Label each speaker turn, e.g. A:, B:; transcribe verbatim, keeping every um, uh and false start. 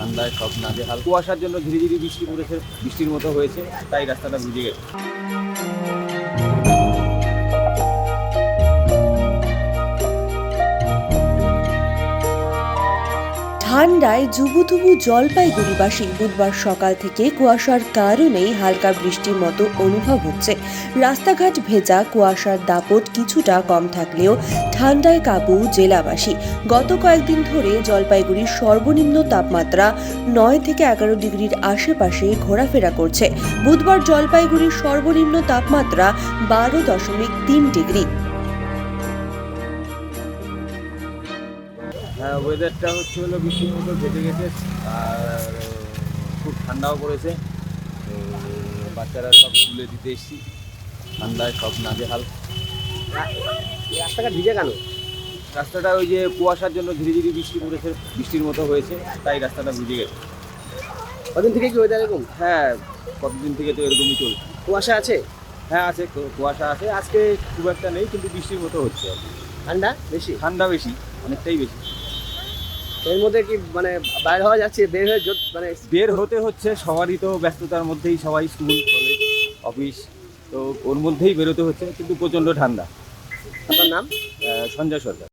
A: ঠান্ডায় সব নাজেহাল। কুয়াশার জন্য ধীরে ধীরে বৃষ্টি পড়েছে, বৃষ্টির মতো হয়েছে, তাই রাস্তাটা ভিজে গেছে।
B: ঠান্ডায় জুবুথুবু জলপাইগুড়িবাসী। বুধবার সকাল থেকে কুয়াশার কারণেই হালকা বৃষ্টির মতো অনুভব হচ্ছে। রাস্তাঘাট ভেজা, কুয়াশার দাপট কিছুটা কম থাকলেও ঠান্ডায় কাবু জেলাবাসী। গত কয়েকদিন ধরে জলপাইগুড়ির সর্বনিম্ন তাপমাত্রা নয় থেকে এগারো ডিগ্রির আশেপাশে ঘোরাফেরা করছে। বুধবার জলপাইগুড়ির সর্বনিম্ন তাপমাত্রা বারো দশমিক তিন ডিগ্রি।
A: হ্যাঁ, ওয়েদারটা হচ্ছে হলো বৃষ্টির মতো ঘেটে গেছে, আর খুব ঠান্ডাও পড়েছে। তো বাচ্চারা সব স্কুলে দিতে এসেছি, ঠান্ডায় সব নাজেহাল।
C: রাস্তাঘাট ভিজে কেন?
A: রাস্তাটা ওই যে কুয়াশার জন্য ধীরে ধীরে বৃষ্টি পড়েছে, বৃষ্টির মতো হয়েছে, তাই রাস্তাটা ভিজে গেছে।
C: কদিন থেকে কি ওয়েদার এরকম?
A: হ্যাঁ, কতদিন থেকে তো এরকমই চলছে।
C: কুয়াশা আছে,
A: হ্যাঁ আছে, কু- কুয়াশা আছে। আজকে খুব একটা নেই, কিন্তু বৃষ্টির মতো হচ্ছে আর কি।
C: ঠান্ডা বেশি।
A: ঠান্ডা বেশি, অনেকটাই বেশি।
C: এর মধ্যে কি মানে বাইরে হওয়া যাচ্ছে? বের হয়ে জো- মানে
A: বের হতে হচ্ছে, সবারই তো ব্যস্ততার মধ্যেই, সবাই স্কুল কলেজ অফিস, তো ওর মধ্যেই বেরোতে হচ্ছে, কিন্তু প্রচণ্ড ঠান্ডা।
C: আপনার নাম?
A: আহ, সঞ্জয় সরকার।